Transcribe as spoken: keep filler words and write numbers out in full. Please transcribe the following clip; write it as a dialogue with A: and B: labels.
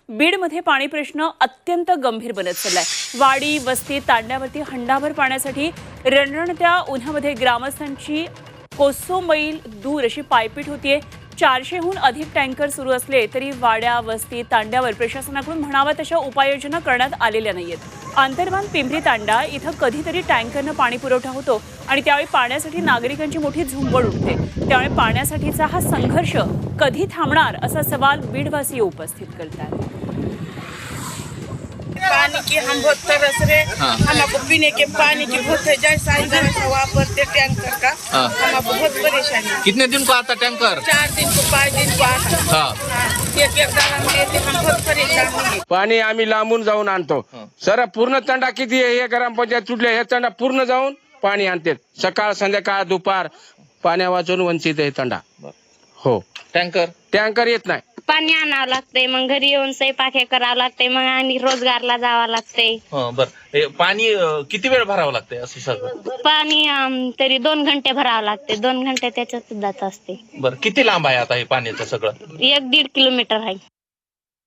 A: बीडमध्ये पाणी प्रश्न अत्यंत गंभीर बनत चाललाय। वाडी वस्ती तांड्यावरती हंडाभर पाण्यासाठी रणरणत्या उन्हामध्ये ग्रामस्थांची कोसो मैल दूर अशी पायपीट होतीये। चारशेहून अधिक टँकर सुरू असले तरी वाड्या वस्ती तांड्यावर प्रशासनाकडून म्हणावा तशा उपाययोजना करण्यात आलेल्या नाहीयेत। आंतरबांध पिंपरी तांडा इथं कधीतरी टँकरनं पाणी पुरवठा होतो आणि त्यावेळी पाण्यासाठी नागरिकांची मोठी झुंबड उठते। त्यामुळे पाण्यासाठीचा हा संघर्ष कधी थांबणार असा सवाल बीडवासीय उपस्थित करतात।
B: पानी की हम बहुत तरस रहे, हमको पीने के पानी की बहुत है, जैसा इधर से वापरते टैंकर का, हमको बहुत परेशानी।
C: कितने दिन को आता टैंकर?
B: चार दिन को पाँच दिन को आता।
C: हाँ।
B: एक एक दाना देते, हम बहुत परेशान होंगे।
D: पाणी आम्ही लांबून जाऊन आणतो। सर पूर्ण तंडा किती आहे हे ग्रामपंचायत सुटले, हे तंडा पूर्ण जाऊन पाणी आणते। सकाळ संध्याकाळ दुपार पाण्या वाचून वंचित आहे तंडा। हो
C: टँकर
D: टँकर येत नाही,
E: पाणी आणावं लागतंय, मग घरी येऊन स्वयंपाक हे करावं लागतंय, मग आणि रोजगारला जावं लागतंय।
C: बर हे पाणी अं, किती वेळ भरावं लागतंय असं सगळं?
E: पाणी अं, तरी दोन घंटे भरावं लागते, दोन घंटे त्याच्यात जात असते।
C: बर किती लांब आहे आता हे पाण्याचं सगळं?
E: एक दीड किलोमीटर आहे।